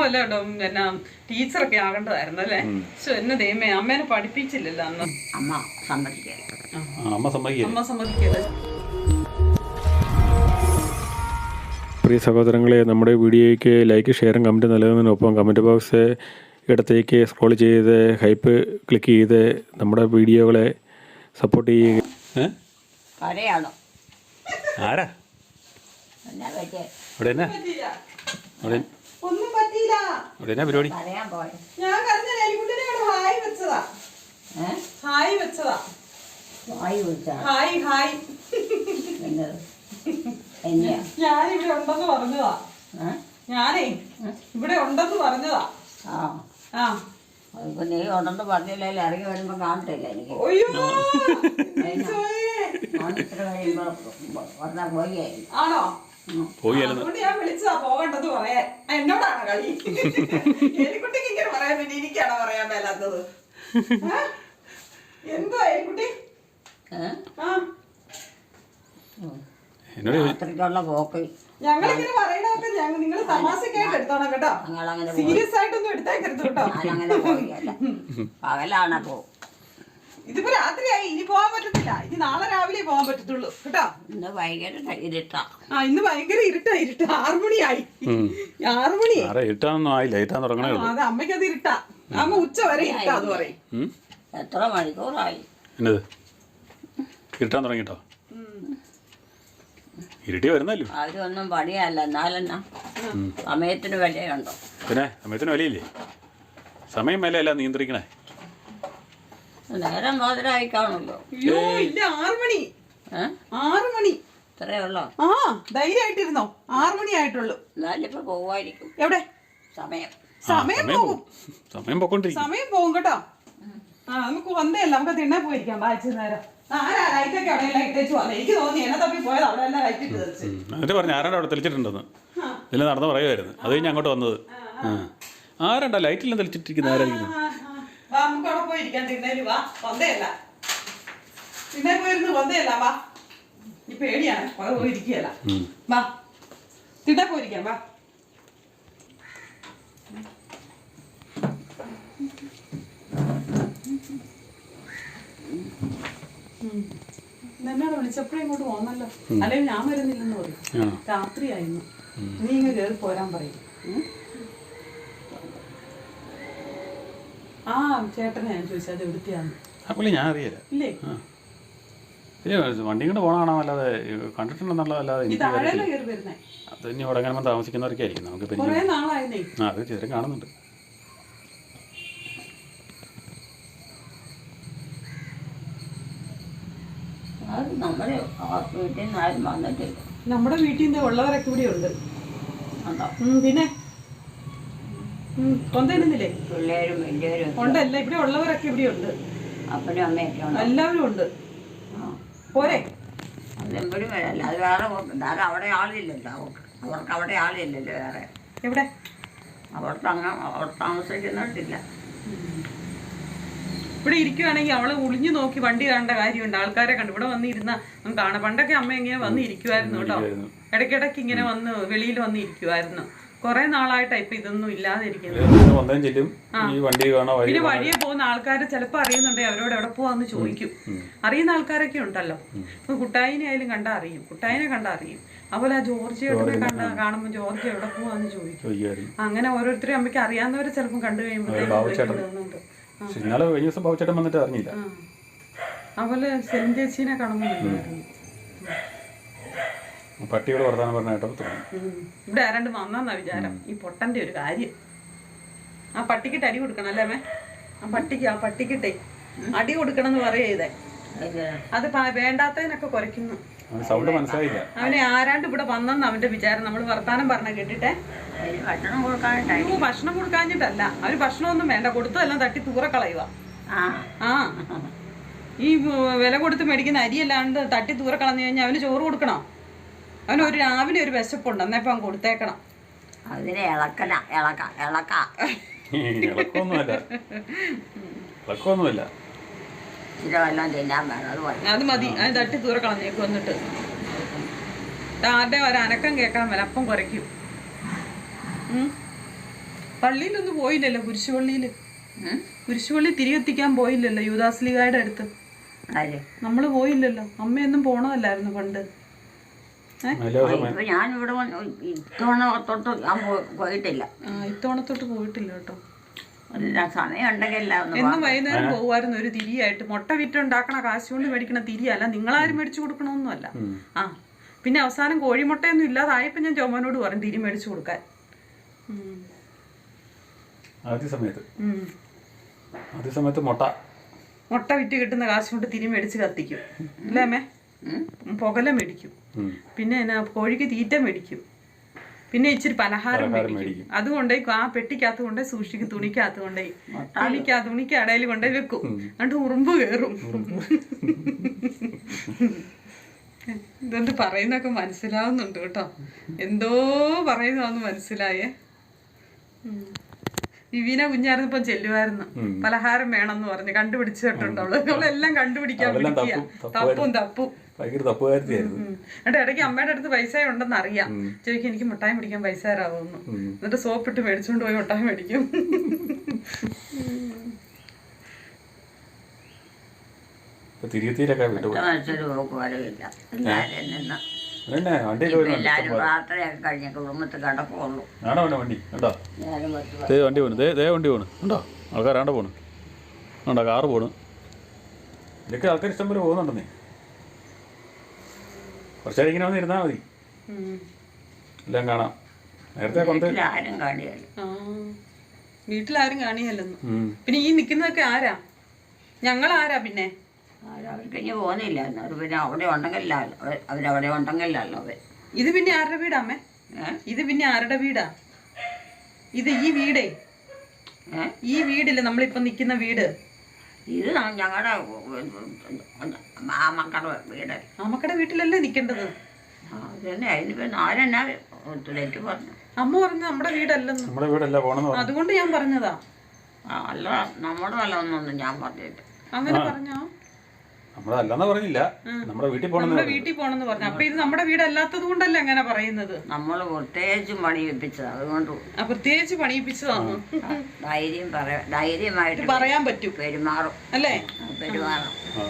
വല്ല പിന്നെ ടീച്ചറൊക്കെ ആകേണ്ടതായിരുന്നു അല്ലേ? പക്ഷെ എന്നെ ദൈവമേ, അമ്മേനെ പഠിപ്പിച്ചില്ലല്ലോ അന്ന്. അമ്മ സമ്മതിക്കല്ലേ. പ്രിയ സഹോദരങ്ങളെ, നമ്മുടെ വീഡിയോയ്ക്ക് ലൈക്ക്, ഷെയറും കമൻറ്റ് നൽകുന്നതിനൊപ്പം കമൻറ്റ് ബോക്സ് ഇടത്തേക്ക് സ്ക്രോൾ ചെയ്ത് ഹൈപ്പ് ക്ലിക്ക് ചെയ്ത് നമ്മുടെ വീഡിയോകളെ സപ്പോർട്ട് ചെയ്യുക. ആരാ ഒന്നും പറ്റിയില്ല. പരിപാടി? ഞാൻ ഹായ് വെച്ചതാ. ഞാനിവിടെ ഉണ്ടെന്ന് പറഞ്ഞതാ. ഞാനേ ഇവിടെ ഉണ്ടെന്ന് പറഞ്ഞതാ. നീ ഉണ്ടെന്ന് പറഞ്ഞില്ലേ, ഇറങ്ങി വരുമ്പോ കാണത്തില്ല എനിക്ക്. ആണോ? അതുകൊണ്ട് ഞാൻ വിളിച്ചതാ പോകണ്ടെന്ന് പറയാൻ. എന്നോടാണ് കളി. എലിക്കുട്ടിക്ക് ഇങ്ങനെ പറയാൻ വേണ്ടി എനിക്കാണോ പറയാൻ മേലാത്തത്? എന്തോ എലിക്കുട്ടി? അത്രയ്ക്കുള്ള പോക്ക് ഞങ്ങളിങ്ങനെ പറയണതൊക്കെ നിങ്ങൾ തമാശക്കായിട്ട് എടുത്തോണം കേട്ടോ. സീരിയസ് ആയിട്ടൊന്നും എടുത്തേക്കരുത് കേട്ടോ. ഞാനങ്ങനെ പോയില്ല, പകലാണ് പോകും. ഇതിപ്പോ രാത്രിയായി, ഇനി പോകാൻ പറ്റത്തില്ല. ഇനി നാളെ രാവിലെ പോകാൻ പറ്റത്തുള്ളൂ കേട്ടോ. ഇന്ന് ഭയങ്കര ഇരുട്ടാ. ഇന്ന് ഭയങ്കര ഇരുട്ട് 6 മണിയായി. 6 മണി അത് അമ്മയ്ക്കത് ഇരുട്ടാ. അമ്മ ഉച്ച വരെ ഇരുട്ടാ അത് പറയും. എത്ര മണിക്കൂറായി ഇരുട്ടാൻ തുടങ്ങിട്ടോ? ഇരുട്ടി വരുന്നല്ലോ. അവരൊന്നും പണിയല്ല, എന്നാലെന്നാ സമയത്തിന് വിലയുണ്ടോ? പിന്നെ സമയത്തിന് വിലയില്ലേ? സമയം വിലയല്ല നിയന്ത്രിക്കണേ. നേരം മോതിരായി കാണുമല്ലോ. അയ്യോ ഇല്ല, 6 മണി. 6 മണി ഇത്രേ ഉള്ളോ? ധൈര്യമായിട്ടിരുന്നോ. 6 മണി ആയിട്ടുള്ളൂ. എന്നാലും ഇപ്പൊ പോവായിരിക്കും. എവിടെ സമയം പോകും. സമയം പോകും കേട്ടോ. നമുക്ക് വന്നേല്ല, നമുക്ക് തിണ്ണ പോയിരിക്കാം. വായിച്ചു നേരം ലൈറ്റൊക്കെ അവിടെ ലൈറ്റ് വെച്ചു വന്നേ. എനിക്ക് തോന്നി എന്നെ തപ്പി പോയത് അവിടെ എല്ലാം ലൈറ്റ് ഇട്ട് തെളിച്ചു. എന്നിട്ട് പറഞ്ഞു ആരാണ്ട് അവിടെ തെളിച്ചിട്ടുണ്ടെന്ന്. ഇതിൽ നടന്ന് പറയുമായിരുന്നു. അത് കഴിഞ്ഞ് അങ്ങോട്ട് വന്നത്. ആരാണ്ടാ ലൈറ്റിലും തെളിച്ചിട്ടിരിക്കുന്നത്? ആരായിരിക്കും? നമുക്ക് അവിടെ പോയിരിക്കാം. തിണ്ണേല് വാ. വന്നേല്ല, തിണ്ണേ പോയിരുന്നു. വന്നേല്ല വാ. ഈ പേടിയാണ്, പോയിരിക്കുകയല്ല. വാ, തിണ്ണേ പോയിരിക്കാം. വാ. എന്നോട് വിളിച്ചപ്പോഴേ ഇങ്ങോട്ട് പോന്നല്ലോ. അല്ലെങ്കിൽ ഞാൻ വരുന്നില്ലെന്ന് പറയും. രാത്രിയായിരുന്നു. നീ ഇങ്ങനെ കയറി പോരാൻ പറയും. ചേട്ടനെ ഞാൻ ചോദിച്ചത് എവിടുത്തെയാന്ന്. ഞാൻ അറിയില്ല. ഇല്ലേ, വണ്ടി കൊണ്ട് പോകണമല്ലാതെ കണ്ടിട്ടുണ്ടെന്നുള്ളതല്ലാതെ കയറി വരുന്നേ. അത് ഇനി ഇവിടെ എങ്ങനെ താമസിക്കുന്നവരൊക്കെ ആയിരിക്കും. നമുക്ക് കുറെ നാളായിരുന്നേ. അത് ചിത്രം കാണുന്നുണ്ട്. നമ്മുടെ വീട്ടിൽ നിന്ന് ഉള്ളവരൊക്കെ ഇവിടെ ഉണ്ട്. പിന്നെ കൊന്തയിടുന്നില്ലേ? പിള്ളേരും വലിയവരും ഉണ്ടല്ല, ഇവിടെ ഉള്ളവരൊക്കെ ഇവിടെ ഉണ്ട്. അപ്പനും അമ്മയൊക്കെ എല്ലാവരും ഉണ്ട്. പോരെ, അതെപ്പോഴും വരല്ല. അത് വേറെ അവിടെ ആളില്ലല്ലോ. അവർക്ക് അവിടെ ആളില്ലല്ലോ വേറെ. എവിടെ? അവിടെ താമസിക്കുന്നിട്ടില്ല. ഇവിടെ ഇരിക്കുവാണെങ്കിൽ അവള് ഒളിഞ്ഞു നോക്കി വണ്ടി കാണേണ്ട കാര്യമുണ്ട്. ആൾക്കാരെ കണ്ടു ഇവിടെ വന്നിരുന്ന കാണാം. പണ്ടൊക്കെ അമ്മ ഇങ്ങനെ വന്ന് ഇരിക്കുമായിരുന്നു കേട്ടോ. ഇടയ്ക്കിടയ്ക്ക് ഇങ്ങനെ വന്ന് വെളിയിൽ വന്ന് ഇരിക്കുമായിരുന്നു. കുറെ നാളായിട്ടാ ഇപ്പൊ ഇതൊന്നും ഇല്ലാതിരിക്കുന്നത്. പിന്നെ വഴിയെ പോകുന്ന ആൾക്കാര് ചിലപ്പോ അറിയുന്നുണ്ടെങ്കിൽ അവരോട് എവിടെ പോവാന്ന് ചോദിക്കും. അറിയുന്ന ആൾക്കാരൊക്കെ ഉണ്ടല്ലോ. ഇപ്പൊ കുട്ടായിനെ ആയാലും കണ്ടാ അറിയും, കുട്ടായിനെ കണ്ടാ അറിയും. അതുപോലെ ആ ജോർജിയോടെ കാണുമ്പോ ജോർജ് എവിടെ പോവാന്ന് ചോദിക്കും. അങ്ങനെ ഓരോരുത്തരും അമ്മയ്ക്ക് അറിയാവുന്നവരെ ചിലപ്പം കണ്ടു കഴിയുമ്പോഴത്തേക്കുണ്ട്. അതുപോലെ സെലിൻ ചേച്ചീനെ കാണുമ്പോണ്ടായിരുന്നു. പട്ടിയോട് വർത്താനം പറഞ്ഞ ഇവിടെ ആരാണ്ട് വന്നാ വിചാരം. ഈ പൊട്ടന്റെ ഒരു കാര്യം, ആ പട്ടിക്കിട്ട് അടി കൊടുക്കണം അല്ലേ അമ്മേ? ആ പട്ടിക്കിട്ടേ അടി കൊടുക്കണം എന്ന് പറയേ. അത് വേണ്ടാത്തതിനൊക്കെ കുറയ്ക്കുന്നു. അവനെ ആരാണ്ട് ഇവിടെ വന്നെന്ന് അവന്റെ വിചാരം. നമ്മള് വർത്താനം പറഞ്ഞ കേട്ടിട്ടെ. ഭക്ഷണം കൊടുക്കാഞ്ഞിട്ടല്ല, അവര് ഭക്ഷണമൊന്നും വേണ്ട, കൊടുത്തതെല്ലാം തട്ടി തൂറക്കളയുക. ഈ വില കൊടുത്ത് മേടിക്കുന്ന അരിയല്ലാണ്ട് തട്ടി തൂറക്കളഞ്ഞു കഴിഞ്ഞാൽ അവന് ചോറ് കൊടുക്കണോ? അവന് രാവിലെ ഒരു വിശപ്പുണ്ട്, എന്നപ്പോ അവൻ കൊടുത്തേക്കണം. അതിനെ അത് മതി. അത് തട്ടി തൂറക്കളഞ്ഞേക്ക് വന്നിട്ട് ആരുടെ ഒരനക്കം കേൾക്കാൻ മേല അപ്പം കുറയ്ക്കും. പള്ളിയിലൊന്നും പോയില്ലല്ലോ, കുരിശുപള്ളിയിൽ. കുരിശുപള്ളി തിരികെത്തിക്കാൻ പോയില്ലല്ലോ യൂദാസ്ലിഗായുടെ അടുത്ത്. ആര്? നമ്മൾ പോയില്ലല്ലോ. അമ്മയൊന്നും പോണതല്ലായിരുന്നു പണ്ട്. ഇപ്പൊ ഞാനിവിടെ ഇത്തവണ തൊട്ട് ഞാൻ പോയിട്ടില്ല. ഇത്തവണത്തോട്ട് പോയിട്ടില്ല കേട്ടോ. സമയം ഉണ്ടെങ്കിൽ എന്നും വൈകുന്നേരം പോകുമായിരുന്നു ഒരു തിരിയായിട്ട്. മുട്ട വിറ്റുണ്ടാക്കണ കാശ് കൊണ്ട് മേടിക്കണ തിരിയല്ല, നിങ്ങളാരും മേടിച്ചു കൊടുക്കണമെന്നല്ല. പിന്നെ അവസാനം കോഴിമുട്ടയൊന്നും ഇല്ലാതായപ്പോ ഞാൻ ജോമോനോട് പറഞ്ഞു തിരി മേടിച്ചു കൊടുക്കാൻ. ആദ്യ സമയത്ത് മുട്ട വിറ്റ് കിട്ടുന്ന കാശ് കൊണ്ട് തിരി മേടിച്ച് കത്തിക്കും അല്ലേ അമ്മേ? പുകല മേടിക്കും, പിന്നെ എന്നാ കോഴിക്ക് തീറ്റ മേടിക്കും, പിന്നെ ഇച്ചിരി പലഹാരം മേടിക്കും. അതുകൊണ്ടേ ആ പെട്ടിക്കകത്ത് കൊണ്ടേ സൂക്ഷിക്കും, തുണിക്കകത്ത് കൊണ്ടേ തുണിക്ക് അടയിൽ കൊണ്ടേ വെക്കും. എന്നിട്ട് ഉറുമ്പ് കയറും. ഇതെന്ത് പറയുന്നൊക്കെ മനസ്സിലാവുന്നുണ്ട് കേട്ടോ. എന്തോ പറയുന്നതാന്ന് മനസ്സിലായേ. വിവീന കുഞ്ഞായിരുന്നപ്പോ ചെല്ലുമായിരുന്നു, പലഹാരം വേണമെന്ന് പറഞ്ഞ് കണ്ടുപിടിച്ചിട്ടുണ്ട്. അവളെല്ലാം കണ്ടുപിടിക്കാൻ തപ്പും എന്നിട്ട് ഇടയ്ക്ക് അമ്മയുടെ അടുത്ത് പൈസ ഉണ്ടെന്ന് അറിയാം. ചോദിക്കും എനിക്ക് മിഠായി മേടിക്കാൻ പൈസ തരാവുന്നു. എന്നിട്ട് സോപ്പിട്ട് മേടിച്ചോണ്ട് പോയി മിഠായി മേടിക്കും. എല്ലാരും പ്രാർത്ഥനയൊക്കെ കഴിഞ്ഞ കുടുംബത്തിൽ കിടക്കുള്ളൂ. വണ്ടി പോണു, വണ്ടി പോണു ഉണ്ടോ? ആൾക്കാരാണ്ട പോണു, ഉണ്ടോ? കാറ് പോണു. ഇതൊക്കെ ആൾക്കാർ ഇഷ്ടം പോലെ പോകുന്നുണ്ടെന്നേ. കുറച്ചാൽ ഇങ്ങനെ വന്ന് ഇരുന്നാൽ മതി, എല്ലാം കാണാം. നേരത്തെ ആരും കാണിയല്ലോ, വീട്ടിലാരും കാണിയല്ലെന്ന്. പിന്നെ ഈ നിക്കുന്നതൊക്കെ ആരാ? ഞങ്ങളാരാ പിന്നെ? അവർക്ക് ഇനി പോകുന്നില്ല. പിന്നെ അവിടെ ഉണ്ടെങ്കിലല്ലോ, അവരവിടെ ഉണ്ടെങ്കിലല്ലോ അവർ. ഇത് പിന്നെ ആരുടെ വീടാ അമ്മേ? ഇത് പിന്നെ ആരുടെ വീടാ ഇത്? ഈ വീടേ, ഈ വീടില്ലേ നമ്മളിപ്പൊ നിക്കുന്ന വീട്? ഇത് ഞങ്ങളുടെ മാമക്കളുടെ വീട്. മാമക്കടെ വീട്ടിലല്ലേ നിക്കേണ്ടത്? അതന്നെ. അതിനിപ്പോ ആരെന്നാ തെറ്റ് പറഞ്ഞു? അമ്മ പറഞ്ഞു നമ്മുടെ വീടല്ലെന്ന്. നമ്മുടെ വീടല്ല പോണെന്ന്. അതുകൊണ്ട് ഞാൻ പറഞ്ഞതാ. അല്ല, നമ്മുടെ വല്ലതൊന്നും ഞാൻ പറഞ്ഞിട്ട്. അങ്ങനെ പറഞ്ഞോ? നമ്മുടെ അല്ലെന്ന് പറഞ്ഞില്ല, നമ്മുടെ വീട്ടിൽ പോണെന്ന് പറഞ്ഞു. അപ്പൊ ഇത് നമ്മുടെ വീടല്ലാത്തത് കൊണ്ടല്ലേ അങ്ങനെ പറയുന്നത്? നമ്മള് പ്രത്യേകിച്ചും പണിയിപ്പിച്ചത്, അതുകൊണ്ട് പ്രത്യേകിച്ച് പണിയിപ്പിച്ചതാണ്. ധൈര്യമായിട്ട് പറയാൻ പറ്റും, പെരുമാറും അല്ലേ? പെരുമാറും.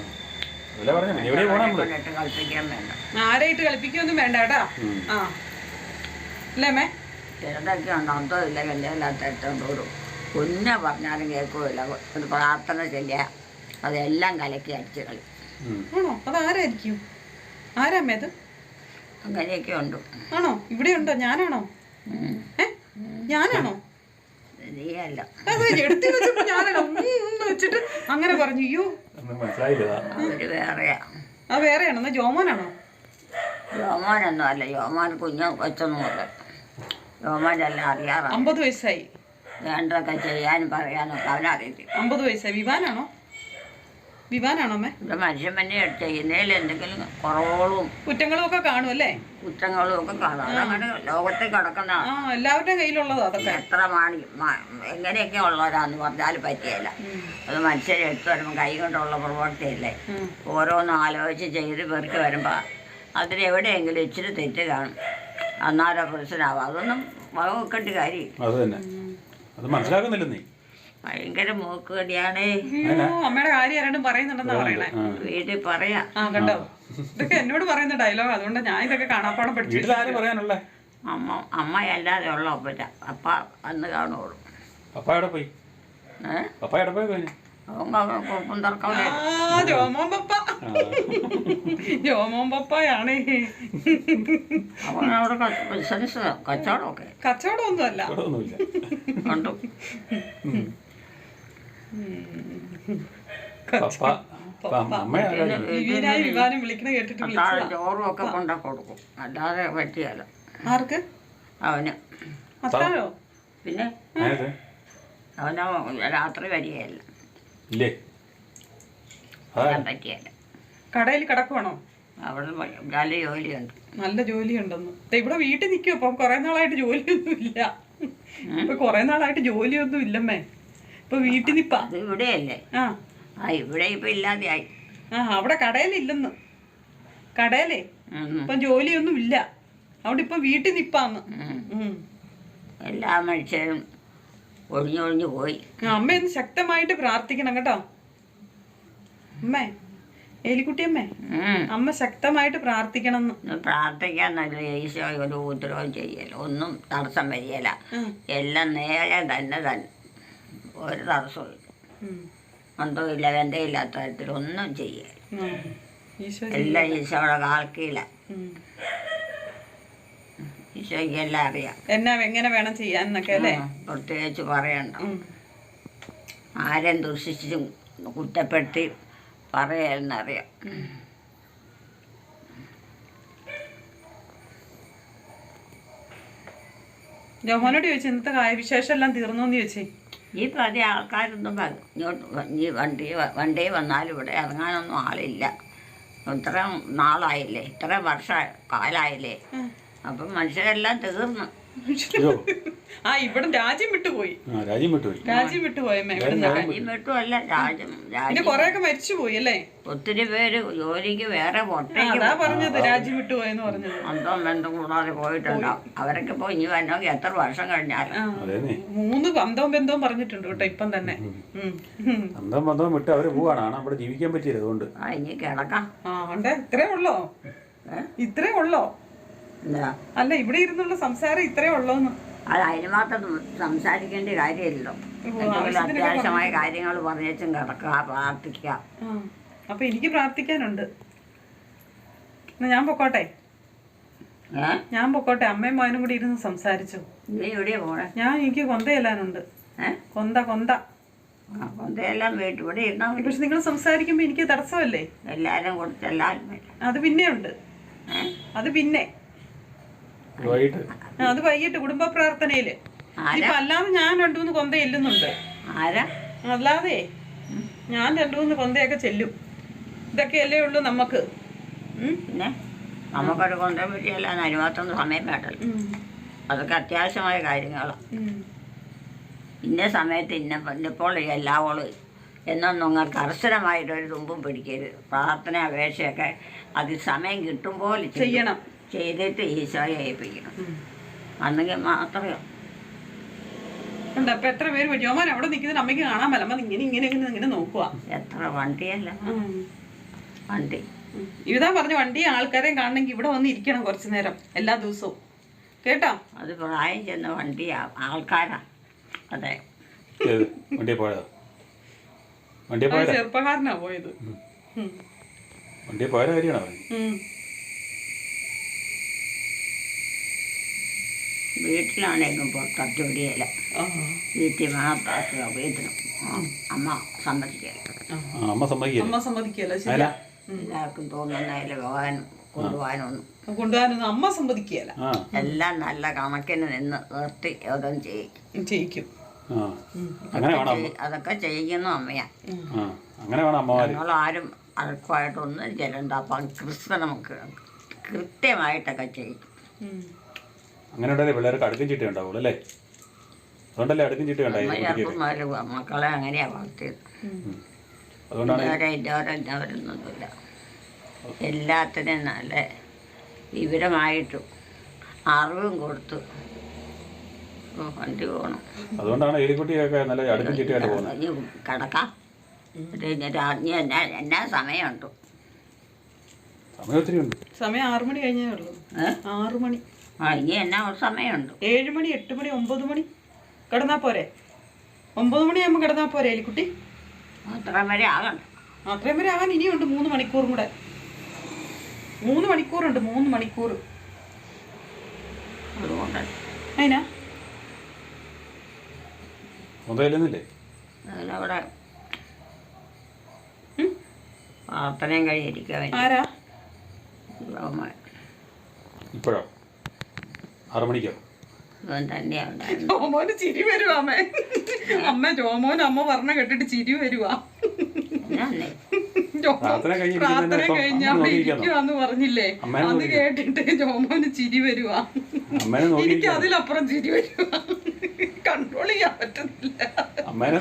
കളിപ്പിക്കാൻ വേണ്ട, ആരായിട്ട് കളിപ്പിക്കൊന്നും വേണ്ട കേട്ടാ. അല്ലേ മേ? ചിലതൊക്കെ ഉണ്ട്, അന്തോ ഇല്ല കല്യാണില്ലാത്ത ഒരു കുഞ്ഞ പറഞ്ഞാലും കേൾക്കുകയില്ല. ഒരു പ്രാർത്ഥന ചെല്ലുക, അതെല്ലാം കലക്കി അടിച്ച് കളി. ആണോ? അതാരായിരിക്കും? ആരാമ്മേ അത്? അങ്ങനെയൊക്കെ ഉണ്ട്. ആണോ? ഇവിടെ ഉണ്ടോ? ഞാനാണോ? ഞാനാണോ? നീയല്ല. വെച്ചിട്ട് അങ്ങനെ പറഞ്ഞു. അയ്യോ, അവര് വേറെയാ. അത് വേറെയാണോ? എന്നാ ജോമോനാണോ? ജോമോനൊന്നും അല്ല, ജോമോൻ കുഞ്ഞു കൊച്ചൊന്നുമല്ല. ജോമോനെല്ലാം അറിയാറാണ്. 50 വയസ്സായി. വേണ്ടതൊക്കെ ചെയ്യാനും പറയാനൊക്കെ അവനറിയില്ല. 50 വയസ്സായി. വിവാനാണോ അമ്മേ? ഇവിടെ മനുഷ്യൻ തന്നെ ചെയ്യുന്നതിൽ എന്തെങ്കിലും കുറവുകളും കുറ്റങ്ങളും ഒക്കെ കാണും അല്ലേ? കുറ്റങ്ങളും ഒക്കെ കാണും. അതങ്ങനെ ലോകത്തിൽ കിടക്കുന്ന എല്ലാവരുടെയും കയ്യിലുള്ളതാ അതൊക്കെ. എത്ര എങ്ങനെയൊക്കെ ഉള്ളവരാന്ന് പറഞ്ഞാലും പറ്റിയല്ല. അത് മനുഷ്യരെ എടുത്തു വരുമ്പോൾ കൈ കൊണ്ടുള്ള പ്രവൃത്തിയല്ലേ. ഓരോന്നും ആലോചിച്ച് ചെയ്ത് പെറുക്കി വരുമ്പോൾ അതിനെവിടെയെങ്കിലും ഇച്ചിരി തെറ്റ് കാണും. അന്നാരോ പ്രശ്നമാവും. അതൊന്നും വകവെക്കേണ്ട കാര്യം. അത് മനസ്സിലാക്കുന്നില്ല നീ. ഭയങ്കര മൂക്കുകടിയാണേ. അമ്മയുടെ കാര്യം ആരാണ്ടും പറയുന്നുണ്ടെന്നാ പറയണേ. വീട്ടിൽ പറയാ. കണ്ടോ, ഇതൊക്കെ എന്നോട് പറയുന്ന ഡയലോഗ്. അതുകൊണ്ട് ഞാൻ ഇതൊക്കെ കാണാപ്പാടം പഠിച്ചു. അമ്മ അല്ലാതെ ഉള്ള അപ്പ അന്ന് കാണുള്ളൂ. പോയി ജോമോൻ പപ്പയാണേ. അവനവിടെ ബിസിനസ് കച്ചവടമൊക്കെ. കച്ചവടമൊന്നും അല്ല. കണ്ടു. വിവാനം വിളിക്കണ കേട്ടിട്ട് ചോറും ഒക്കെ കൊണ്ട കൊടുക്കും, അല്ലാതെ പറ്റിയല്ല. ആർക്ക്? അവന്. അത്താഴോ? പിന്നെ അവന് രാത്രി വരികയല്ല. പറ്റിയല്ല. കടയിൽ കിടക്കുവാണോ? അവിടെ നല്ല ജോലിയുണ്ട്. നല്ല ജോലിയുണ്ടെന്ന്. ഇവിടെ വീട്ടിൽ നിൽക്കും. ഇപ്പം കുറെ നാളായിട്ട് ജോലിയൊന്നും ഇല്ല. ഇപ്പൊ കുറെ നാളായിട്ട് ജോലിയൊന്നും ഇല്ലമ്മേ. ഇപ്പൊ വീട്ടിൽ നിപ്പാ. ഇവിടെയല്ലേ? ഇവിടെ ഇപ്പൊ ഇല്ലാതെയായി. അവിടെ കടയിലില്ലെന്ന്. കടയിലേ ഇപ്പൊ ജോലിയൊന്നും ഇല്ല. അവിടെ ഇപ്പൊ വീട്ടിൽ നിപ്പാന്ന്. എല്ലാ മനുഷ്യരും ഒഴിഞ്ഞൊഴിഞ്ഞു പോയി. അമ്മ ഒന്ന് ശക്തമായിട്ട് പ്രാർത്ഥിക്കണം കേട്ടോ അമ്മേ. എലിക്കുട്ടിയമ്മേ, അമ്മ ശക്തമായിട്ട് പ്രാർത്ഥിക്കണം എന്ന്. പ്രാർത്ഥിക്കാൻ നല്ല ഈശോ ഒരു ഉപദ്രവം ചെയ്യല, ഒന്നും തടസ്സം വരികയില്ല. എല്ലാം നേരെ തന്നെ ഒരു തടസ്സവും ഇല്ല. അന്തമില്ല ബന്ധമില്ലാത്ത തരത്തിൽ ഒന്നും ചെയ്യല. എല്ലാം ഈശോയുടെ കാൽക്കീല. ഈശോയ്ക്ക് എല്ലാം അറിയാം എന്നാ എങ്ങനെ വേണം ചെയ്യാന്നൊക്കെ അല്ലേ. പ്രത്യേകിച്ച് പറയണ്ട. ആരും ദുഷിച്ചും കുറ്റപ്പെടുത്തി പറയാന്നറിയാം. ജോമോനോട് ചോദിച്ചു ഇന്നത്തെ വിശേഷം എല്ലാം തീർന്നോന്ന് ചോദിച്ചേ. ഈ പല ആൾക്കാരൊന്നും ഇങ്ങോട്ട് ഈ വണ്ടി വന്നാലും ഇവിടെ ഇറങ്ങാനൊന്നും ആളില്ല. ഇത്ര നാളായില്ലേ, ഇത്ര കാലായില്ലേ. അപ്പം മനുഷ്യരെല്ലാം തീർന്നു. ഇവിടെ രാജ്യം വിട്ടുപോയി. രാജ്യം വിട്ടുപോയി. രാജ്യം വിട്ടുപോയമ്മേ. രാജ്യം വിട്ടുമല്ല, രാജ്യം കൊറേയൊക്കെ മരിച്ചുപോയി അല്ലേ. ഒത്തിരി പേര് ജോലിക്ക് വേറെ അതാ പറഞ്ഞത് രാജ്യം വിട്ടുപോയെന്ന് പറഞ്ഞത്. അന്തം ബന്ധം കൂടാതെ പോയിട്ടുണ്ടാവും. അവരൊക്കെ പോയി ഇനി വരണമെങ്കിൽ എത്ര വർഷം കഴിഞ്ഞാലും. 3 അന്തവും ബന്ധവും പറഞ്ഞിട്ടുണ്ട് കേട്ടോ ഇപ്പം തന്നെ. അന്തം ബന്ധവും വിട്ട് അവര് പോവാണ്. അവിടെ ജീവിക്കാൻ പറ്റിയത് അതുകൊണ്ട് ഇനി കിടക്കാം. ഇത്രേ ഉള്ളോ? ഇത്രേ ഉള്ളോ? അല്ല ഇവിടെ ഇരുന്നുള്ള സംസാരം ഇത്രേ ഉള്ളോന്ന്. അത് അതിന് മാത്രം സംസാരിക്കേണ്ട കാര്യമില്ലല്ലോ. എന്തെങ്കിലും അത്യാവശ്യമായ കാര്യങ്ങൾ പറഞ്ഞേച്ചും കിടക്കുക, പ്രാർത്ഥിക്കുക. അപ്പൊ എനിക്ക് പ്രാർത്ഥിക്കാനുണ്ട്. ഞാൻ പൊക്കോട്ടെ. ഞാൻ പൊക്കോട്ടെ. അമ്മയും മോനും കൂടി ഇരുന്ന് സംസാരിച്ചു. നീ എവിടെയാ പോണേ? എനിക്ക് കൊന്തയെല്ലാനുണ്ട്. കൊന്തയെല്ലാം വീട്ടിൽ ഇവിടെ ഇരുന്നാ. പക്ഷെ നിങ്ങൾ സംസാരിക്കുമ്പോ എനിക്ക് തടസ്സമല്ലേ? എല്ലാരും കൊടുത്ത് എല്ലാവരും അത് പിന്നെ ഉണ്ട്. അത് പിന്നെ അത് വൈകിട്ട് കുടുംബ പ്രാർത്ഥനയില്. ഇപ്പൊ അല്ലാതെ ഞാൻ 2-3 കൊന്ത ചെല്ലുന്നുണ്ട്. അല്ലാതെ ഞാൻ 2-3 കൊന്തയൊക്കെ ചെല്ലും. ഇതൊക്കെയല്ലേ ഉള്ളു നമുക്ക്. പിന്നെ നമുക്കൊരു കൊന്ത പറ്റിയല്ല, അതിനുമാത്രം സമയം വേണ്ടല്ലോ. അതൊക്കെ അത്യാവശ്യമായ കാര്യങ്ങളാണ്. ഇന്ന സമയത്ത് ഇന്നപ്പോൾ എല്ലാവളും എന്നൊന്നും നിങ്ങൾ കർശനമായിട്ടൊരു തുമ്പും പിടിക്കരുത്. പ്രാർത്ഥന അപേക്ഷയൊക്കെ അത് സമയം കിട്ടുമ്പോൾ ചെയ്യണം. ചെയ്തിട്ട് ഈശോയെ ഏൽപ്പിക്കണം. അന്നെങ്കിൽ മാത്രമേ. അപ്പൊ എത്ര പേര് ജോമാൻ അവിടെ നിൽക്കുന്ന അമ്മയ്ക്ക് കാണാൻ പറ്റില്ല. അമ്മ ഇങ്ങനെ നോക്കുക. എത്ര വണ്ടിയല്ല വണ്ടി. ഇതാ പറഞ്ഞു വണ്ടി ആൾക്കാരെയും കാണണമെങ്കിൽ ഇവിടെ വന്ന് ഇരിക്കണം കുറച്ചു നേരം എല്ലാ ദിവസവും. കേട്ടോ? അത് പ്രായം ചെന്ന വണ്ടിയാ, ആൾക്കാരാ. അതെ, ചെറുപ്പക്കാരനാ പോയത്. വീട്ടിലാണേലും പുറത്തു ജോലിയല്ല. വീട്ടിൽ മാത്രം വീട്ടിലും അമ്മ സമ്മതിക്കല്ല. എല്ലാവർക്കും തോന്നുന്നതിൽ പോകാനും കൊണ്ടുപോകാനൊന്നും അമ്മ സമ്മതിക്കല്ല. എല്ലാം നല്ല കണക്കിന് നിന്ന് നിർത്തി ഓരോന്നും ചെയ്യിക്കും. അതൊക്കെ ചെയ്യിക്കുന്ന അമ്മയാ. ഞങ്ങളാരും അഴക്കുമായിട്ടൊന്നും ചെല്ലണ്ട. അപ്പം ക്രിസ്തു നമുക്ക് കൃത്യമായിട്ടൊക്കെ ചെയ്യും. അങ്ങനെ പിള്ളേർക്ക് അടുക്കും ചിട്ട ഉണ്ടാവുള്ളൂ അല്ലേ? അതുകൊണ്ടല്ലേ അടുക്കും ചിട്ട മക്കളെ അങ്ങനെയാ വളർത്തിയത്. ഇന്നവരൊന്നുമില്ല. എല്ലാത്തിനും നല്ല വിവരമായിട്ടും അറിവും കൊടുത്തു വണ്ടി പോകണം. അതുകൊണ്ടാണ് എലിക്കുട്ടിയൊക്കെ നല്ല അടുക്കും ചിട്ടയായിട്ട് പോകുന്നത്. കിടക്കാം. എന്നാ സമയമുണ്ടോ? സമയം ഒത്തിരി ഉണ്ട്. സമയം 6 മണി കഴിഞ്ഞേ ഉള്ളൂ. 6 മണി. ഇനി എന്നാ സമയമുണ്ട്? 7 മണി, 8 മണി, 9 മണി കിടന്നാ പോരെ? 9 മണിയാകുമ്പോൾ കിടന്നാ പോരെ എലിക്കുട്ടി? അത്രയും വരെ ആകണ്ട. അത്രയും വരെ ആകാൻ ഇനിയുണ്ട് 3 മണിക്കൂറും കൂടെ. 3 മണിക്കൂറുണ്ട്. 3 മണിക്കൂർ. അതുകൊണ്ട് അതിനാ അതിനവിടെ പ്രാർത്ഥനയും കഴിയിരിക്കാൻ. ആരാ? ഇപ്പോഴോ? 6 മണിക്കോ? ജോമോന് ചിരി വരുവാ അമ്മ. അമ്മ ജോമോന് അമ്മ പറഞ്ഞ കേട്ടിട്ട് ചിരി വരുവാ. പ്രാർത്ഥന കഴിഞ്ഞ അവിടെ ഇരിക്കുവാന്ന് പറഞ്ഞില്ലേ? അത് കേട്ടിട്ട് ജോമോന് ചിരി വരുവാ. എനിക്ക് അതിലപ്പുറം ചിരി വരുവാ. കൺട്രോൾ ചെയ്യാൻ പറ്റുന്നില്ല. അമ്മേനെ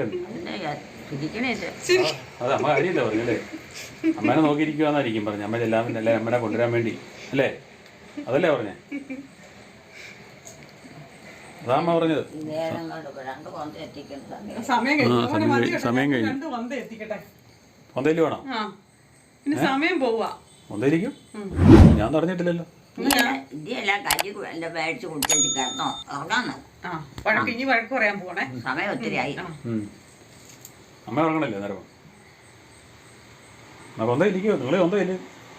നോക്കിയിരിക്കുവാന്നായിരിക്കും പറഞ്ഞു. അമ്മ ചെല്ലാൻ അല്ലേ അമ്മനെ കൊണ്ടുവരാൻ വേണ്ടി അല്ലേ? അതല്ലേ പറഞ്ഞേ? അതാ അമ്മ പറഞ്ഞത്. ഈ നേരം കൊണ്ട് 2 കൊന്ത എത്തിക്കുന്ന സമയം സമയം കഴിഞ്ഞു. ആ, മോനെ മതി കേട്ടോ. സമയം കഴിഞ്ഞു. 2 വന്ത എത്തിക്കട്ടെ. മൊന്തയിൽ വേണം. ആ പിന്നെ സമയം പോവാ. മൊന്തയിലിരിക്കും. ഞാൻ പറഞ്ഞിട്ടില്ലല്ലോ. ഇന്ത്യയെല്ലാം കഞ്ഞി എല്ലാം മേടിച്ച് കുടിച്ചു കിടന്നോ ഉറങ്ങാന്നോ. ആ വഴക്ക് ഇനി വഴക്ക് പറയാൻ പോണേ. സമയം ഒത്തിരി ആയി. അമ്മ ഉറങ്ങണല്ലേ നേരം? ആ കൊന്തയിലിരിക്കുമോ? നിങ്ങളെ കൊന്തയില്ല.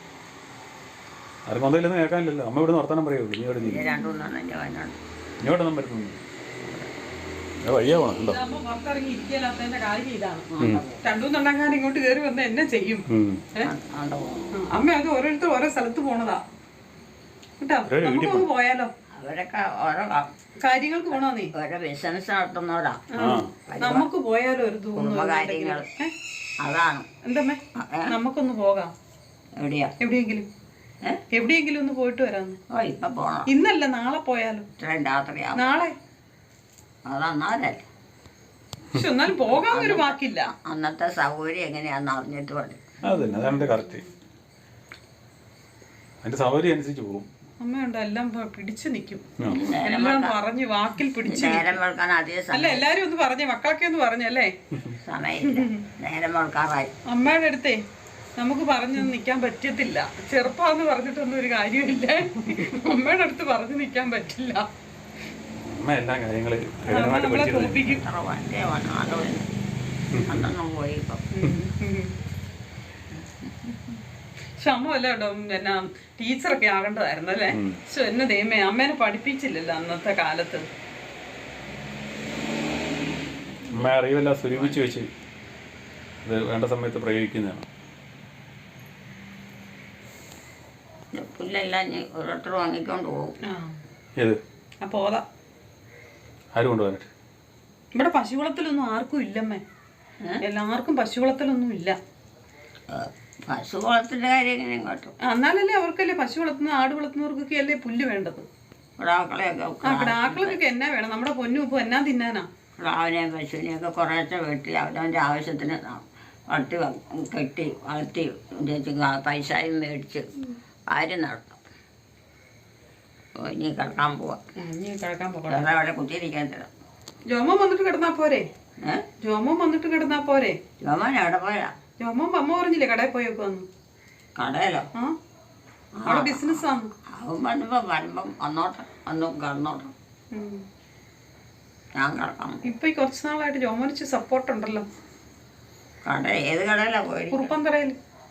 ആരും കൊന്തയില്ലെന്ന് കേൾക്കാനില്ലല്ലോ. അമ്മ ഇവിടെ വർത്തമാനം പറയുമോ? ഇനി ഇവിടെ 2 കൊണ്ടാണ് എൻ്റെ വയനാട്. ഇങ്ങോട്ടൊന്നും വരുന്നു. വഴിയാ പോണം ഉണ്ടോ? അമ്മ പുറത്തിറങ്ങി ഇരിക്കലാത്തതിന്റെ കാര്യം ഇതാണ്. 2 കൊണ്ടാക്കാൻ ഇങ്ങോട്ട് കയറി വന്ന് എന്നെ ചെയ്യും. അമ്മ അത് ഓരോരുത്തർ ഓരോ സ്ഥലത്ത് പോണതാ കേട്ടോ. നമുക്കൊന്ന് പോയാലോ? അവരൊക്കെ ഓരോ കാര്യങ്ങൾക്ക് പോണോ നീ? ഓരോ ബിസിനസ് നടത്തുന്നവരാ. നമുക്ക് പോയാലോ ഒരു കുടുംബകാര്യങ്ങൾ അതാണ്. എന്തമ്മേ നമുക്കൊന്ന് പോകാം. എവിടെയാ? എവിടെയെങ്കിലും ഒന്ന് പോയിട്ട് വരാന്ന്. ഓ ഇപ്പൊ പോണം. ഇന്നല്ല നാളെ പോയാലോ? ഇത്രയും രാത്രിയാവും. നാളെ അതന്നാലല്ലേ. പക്ഷെ എന്നാലും പോകാൻ ഒരു വാക്കില്ല. അന്നത്തെ സൗകര്യം എങ്ങനെയാന്ന് അറിഞ്ഞിട്ട് മതി. അതന്നെ അതാണ് കറക്റ്റ്. അതിന്റെ സൗകര്യം അനുസരിച്ച് പോകും. അമ്മയുണ്ട് എല്ലാം പിടിച്ചു നിൽക്കും. എല്ലാം പറഞ്ഞ് വാക്കിൽ പിടിച്ചു. നേരം വെളുക്കാൻ അധികം അല്ല എല്ലാരും ഒന്ന് പറഞ്ഞേ, മക്കളൊക്കെ ഒന്ന് പറഞ്ഞല്ലേ. സമയമില്ല. നേരം വെളുക്കാറായി. അമ്മയുടെ അടുത്തേ നമുക്ക് പറഞ്ഞു നിൽക്കാൻ പറ്റത്തില്ല. ചെറുപ്പാന്ന് പറഞ്ഞിട്ടൊന്നും ഒരു കാര്യമില്ല. അമ്മയുടെ അടുത്ത് പറഞ്ഞു നിൽക്കാൻ പറ്റില്ല. അമ്മ എല്ലാ കാര്യങ്ങളും നമ്മളെ തോപ്പിക്കും. അന്നൊന്നും പോയി ഇപ്പം. പക്ഷെ അമ്മ വല്ല കേട്ടോ എന്നാ ടീച്ചറൊക്കെ ആകേണ്ടതായിരുന്നു അല്ലേ. പക്ഷെ എന്നെ ദൈവമേ അമ്മേനെ പഠിപ്പിച്ചില്ലല്ലോ അന്നത്തെ കാലത്ത്. അമ്മ അറിവെല്ലാം സ്വരൂപിച്ച് വെച്ച് ഇത് വേണ്ട സമയത്ത് പ്രയോഗിക്കുന്നതാണ്. പുല്ലെല്ലാം ഓരോരുത്തർ വാങ്ങിക്കൊണ്ട് പോകും. ഏത്? പോതാ ആര് കൊണ്ടുപോകാനായിട്ട്? ഇവിടെ പശുകുളത്തിലൊന്നും ആർക്കും ഇല്ലമ്മേ. എല്ലാവർക്കും പശുകുളത്തിലൊന്നും ഇല്ല. പശുകുളത്തിന്റെ കാര്യം എങ്ങനെ ഇങ്ങോട്ട്? എന്നാലല്ലേ അവർക്കല്ലേ പശു വളർത്തുന്ന ആട് വളർത്തുന്നവർക്കൊക്കെ അല്ലേ പുല്ല് വേണ്ടത്. കിടാക്കളൊക്കെ എന്നാ വേണം? നമ്മുടെ പൊന്നും ഇപ്പൊ എന്നാ തിന്നാനാ? കിടാവിനെയും പശുവിനെയൊക്കെ കുറേശ്ശെ വെട്ടി അവനവൻ്റെ ആവശ്യത്തിന് വളർത്തി കെട്ടി വളർത്തി പൈസയും മേടിച്ച് കാര്യം നടത്തും. ഇനി കിടക്കാൻ പോവാം. വേറെ അവിടെ കുത്തിയിരിക്കാൻ തരാം. ജോമോൻ വന്നിട്ട് കിടന്നാ പോരെ? ജോമോൻ വന്നിട്ട് കിടന്നാ പോരെ? ജോമോൻ എവിടെ പോയാ? ജോമോൻ അമ്മ പറഞ്ഞില്ലേ കടയിൽ പോയൊക്കെ വന്നു. കടയിലോ? അവിടെ ബിസിനസ് ആണ്. അവൻ വരുമ്പം വന്നോട്ടെ, വന്നു കിടന്നോട്ടെ. ഞാൻ കിടക്കാം. ഇപ്പൊ ഈ കുറച്ച് നാളായിട്ട് ജോമോനിച്ച് സപ്പോർട്ട് ഉണ്ടല്ലോ. കട ഏത് കടയിലാ പോയി? കുറുപ്പന്തറയിൽ.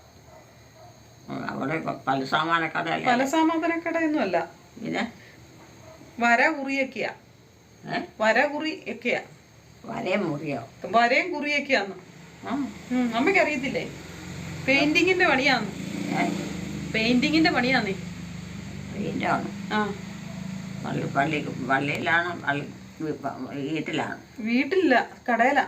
അവിടെ പലസാമാന കടയല്ല. പലസാമാന കടയൊന്നും അല്ല. പിന്നെ വര കുറിയൊക്കെയാ. വരകുറി ഒക്കെയാ. വരയും മുറിയോ? വരയും കുറിയൊക്കെയാന്ന്. അമ്മയ്ക്ക് അറിയത്തില്ലേ? പെയിന്റിങ്ങിന്റെ പണിയാന്ന്. പെയിന്റിങ്ങിന്റെ പണിയാന്നേ. പള്ളിയിലാണ്? വീട്ടിലാണ്? വീട്ടിലില്ല, കടയിലാ.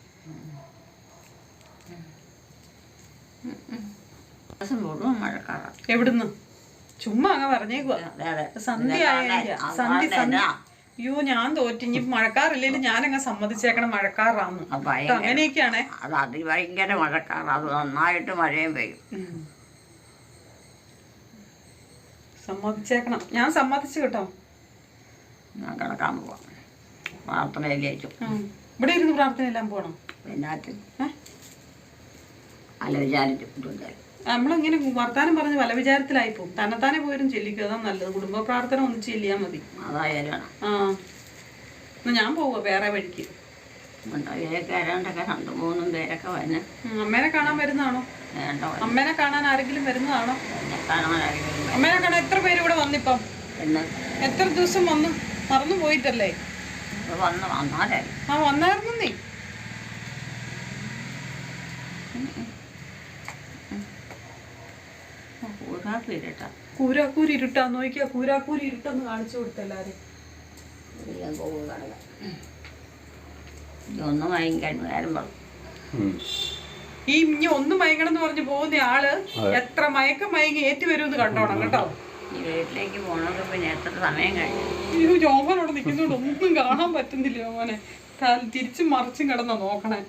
മുഴുവൻ മഴക്കാറാണ്. എവിടുന്ന്? ചുമ്മാ അങ്ങ് പറഞ്ഞേക്കുവാ. സന്ധ്യ അയ്യോ ഞാൻ തോറ്റിഞ്ഞ് മഴക്കാറില്ലേലും ഞാനങ്ങ് സമ്മതിച്ചേക്കണം മഴക്കാറാന്ന്. അങ്ങനെയൊക്കെയാണേ. അത് അതിഭയങ്കര മഴക്കാറ്. അത് നന്നായിട്ട് മഴയും പെയ്യും. സമ്മതിച്ചേക്കണം. ഞാൻ സമ്മതിച്ചു കേട്ടോ. ഞാൻ കിടക്കാൻ പോവാം. പ്രാർത്ഥനയിലേക്കും. ഇവിടെ ഇരുന്ന് പ്രാർത്ഥനയെല്ലാം പോകണം. പിന്നാറ്റ് അല്ല വിചാരിച്ചിട്ടില്ല. നമ്മളിങ്ങനെ വർത്താനം പറഞ്ഞ് പല വിചാരത്തിലായി പോകും. തന്നെത്താനെ പോലും ചെല്ലിക്കും. അതാ നല്ലത്. കുടുംബ പ്രാർത്ഥന ഒന്ന് ചെല്ലിയാൽ മതി. അതായാലും എന്നാ ഞാൻ പോവാ വേറെ വഴിക്ക്. 2-3 പേരൊക്കെ വന്ന് അമ്മേനെ കാണാൻ വരുന്നതാണോ? അമ്മേനെ കാണാൻ ആരെങ്കിലും വരുന്നതാണോ? അമ്മേനെ കാണാൻ എത്ര പേര് ഇവിടെ വന്നിപ്പം? എത്ര ദിവസം വന്നു? മറന്നു പോയിട്ടല്ലേ? വന്നായിരുന്നു നീ. കൂരാക്കൂരി ഇരുട്ടാ. നോക്കിയാ കൂരാക്കൂരി ഇരുട്ടെന്ന് കാണിച്ചു കൊടുത്തെല്ലാരും. ഈ ഇനി ഒന്ന് മയങ്ങണം എന്ന് പറഞ്ഞു പോകുന്ന ആള് എത്ര മയക്കം മയങ്ങി ഏറ്റി വരുമെന്ന് കണ്ടോണം കേട്ടോ. വീട്ടിലേക്ക് പോണത് പിന്നെ എത്ര സമയം കഴിഞ്ഞു? അയ്യോ ജോമോനോട് നിൽക്കുന്നോണ്ട് ഒന്നും കാണാൻ പറ്റുന്നില്ല. ജോമോനെ തിരിച്ചും മറിച്ചും കിടന്നോ നോക്കണേ.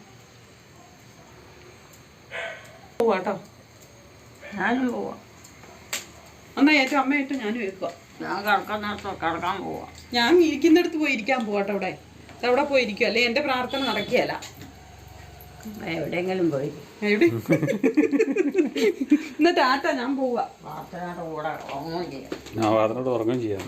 പോവാട്ടോ. ഞാനും പോവാ. എന്നാ ഏറ്റവും അമ്മ ഏറ്റവും ഞാനും വെക്കുക. ഞാൻ കിടക്കുന്നിടത്ത് കിടക്കാൻ പോവാം. ഞാൻ ഇരിക്കുന്നിടത്ത് പോയി ഇരിക്കാൻ പോകട്ടെ. അവിടെ പോയി ഇരിക്കും, അല്ലെ എൻ്റെ പ്രാർത്ഥന നടക്കുകയല്ല. എവിടെയെങ്കിലും പോയി എവിടെ എന്നാ ടാറ്റ, ഞാൻ പോവാ. പ്രാർത്ഥനയുടെ കൂടെ ഉറങ്ങുകയും ചെയ്യാം. അതിനോട് ഉറങ്ങുകയും ചെയ്യാം.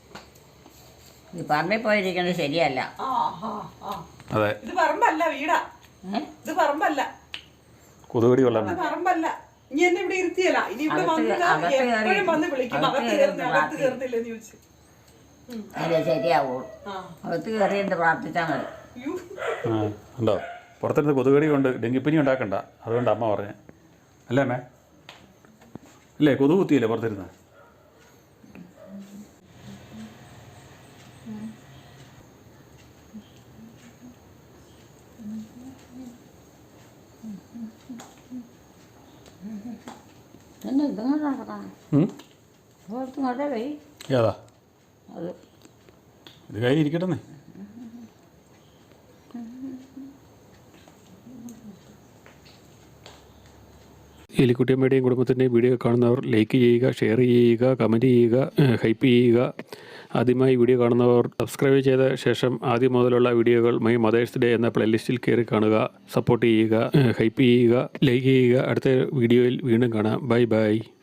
ഈ പറമ്പിൽ പോയിരിക്കുന്നത് ശരിയല്ല. അതെ, ഇത് പറമ്പല്ല, വീടാ. ഇത് പറമ്പല്ല, കൊതുകടി കൊള്ളാൻ ഇത് പറമ്പല്ല. ഇനി എന്നെ ഇവിടെ ഇരുത്തിയല്ല. ഇനി ഇവിടെ എപ്പോഴും വന്ന് വിളിക്കും, അകത്ത് കയറുന്നില്ലെന്ന് ചോദിച്ചു. അതെ, ശരിയാവുള്ളൂ. അകത്ത് കയറി എന്ത് പ്രാർത്ഥിച്ചാൽ മതി. ഉണ്ടോ? പുറത്തിരുന്ന് കൊതുകടി കൊണ്ട് ഡെങ്കിപ്പനി ഉണ്ടാക്കണ്ട, അതുകൊണ്ട് അമ്മ പറഞ്ഞേ അല്ലേ അമ്മേ? അല്ലേ, കൊതുക് കുത്തിയില്ലേ പുറത്തിരുന്ന്? പിന്നെ ഇതങ്ങോട്ട് നടക്കണം. ഇങ്ങോട്ടേ പോയി ഏതാ അത് ഇത് കയ്യിൽ ഇരിക്കട്ടെന്നേ. എലിക്കുട്ടിയമ്മയുടെയും കുടുംബത്തിൻ്റെയും വീഡിയോ കാണുന്നവർ ലൈക്ക് ചെയ്യുക, ഷെയർ ചെയ്യുക, കമൻറ്റ് ചെയ്യുക, ഹൈപ്പ് ചെയ്യുക. ആദ്യമായി വീഡിയോ കാണുന്നവർ സബ്സ്ക്രൈബ് ചെയ്ത ശേഷം ആദ്യം മുതലുള്ള വീഡിയോകൾ മൈ മദേഴ്സ് ഡേ എന്ന പ്ലേലിസ്റ്റിൽ കയറി കാണുക. സപ്പോർട്ട് ചെയ്യുക, ഹൈപ്പ് ചെയ്യുക, ലൈക്ക് ചെയ്യുക. അടുത്ത വീഡിയോയിൽ വീണ്ടും കാണാം. Bye by.